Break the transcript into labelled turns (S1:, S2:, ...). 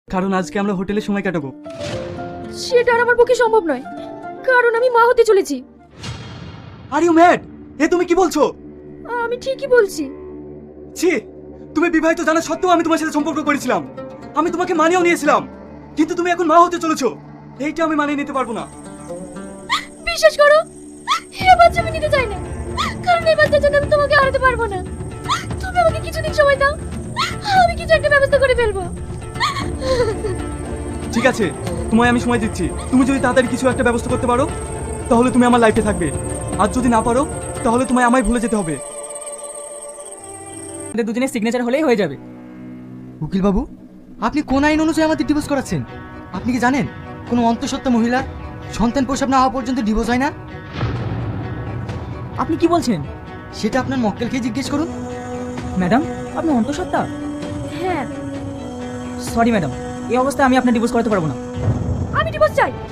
S1: কারণ আজকে আমরা হোটেলে সময় কাটাবো।
S2: সেটা আর আমার পক্ষে সম্ভব নয়, কারণ আমি মা হতে চলেছি।
S1: Are you mad? এ তুমি কি বলছো?
S2: আমি ঠিকই বলছি।
S1: ছি, তুমি বিবাহিত জানা সত্ত্বেও আমি তোমার সাথে সম্পর্ক করেছিলাম, আমি তোমাকে মানিয়েও নিয়েছিলাম, কিন্তু তুমি এখন মা হতে চলেছো, এইটা আমি মানিয়ে নিতে পারবো না।
S2: বিশ্বাস করো, এই বাচ্চা আমি নিতে চাই না, কারণ এই বাচ্চার জন্য আমি তোমাকে হারাতে পারবো না। তুমি আমাকে কিছুদিন সময় দাও, আমি কিছু একটা ব্যবস্থা করে ফেলবো।
S1: ঠিক আছে, তোমায় আমি সময় দিচ্ছি। তুমি যদি তাড়াতাড়ি কিছু একটা ব্যবস্থা করতে পারো তাহলে তুমি আমার লাইফে থাকবে, আর যদি না পারো তাহলে তোমায় আমায় ভুলে যেতে হবে।
S3: আমাদের দুজনের সিগনেচার হলেই হয়ে যাবে।
S4: উকিল বাবু, আপনি কোন আইন অনুযায়ী আমাদের ডিভোর্স করাচ্ছেন? আপনি কি জানেন কোনো অন্তঃসত্ত্বা মহিলা সন্তান প্রসব না হওয়া পর্যন্ত ডিভোর্স হয় না?
S3: আপনি কি বলছেন?
S4: সেটা আপনার মক্কেলকে জিজ্ঞেস করুন।
S3: ম্যাডাম, আপনি অন্তঃসত্ত্বা?
S2: হ্যাঁ,
S3: সরি ম্যাডাম, এই অবস্থায় আমি আপনার ডিভোর্স করাতে পারবো না।
S2: আমি ডিভোর্স চাই।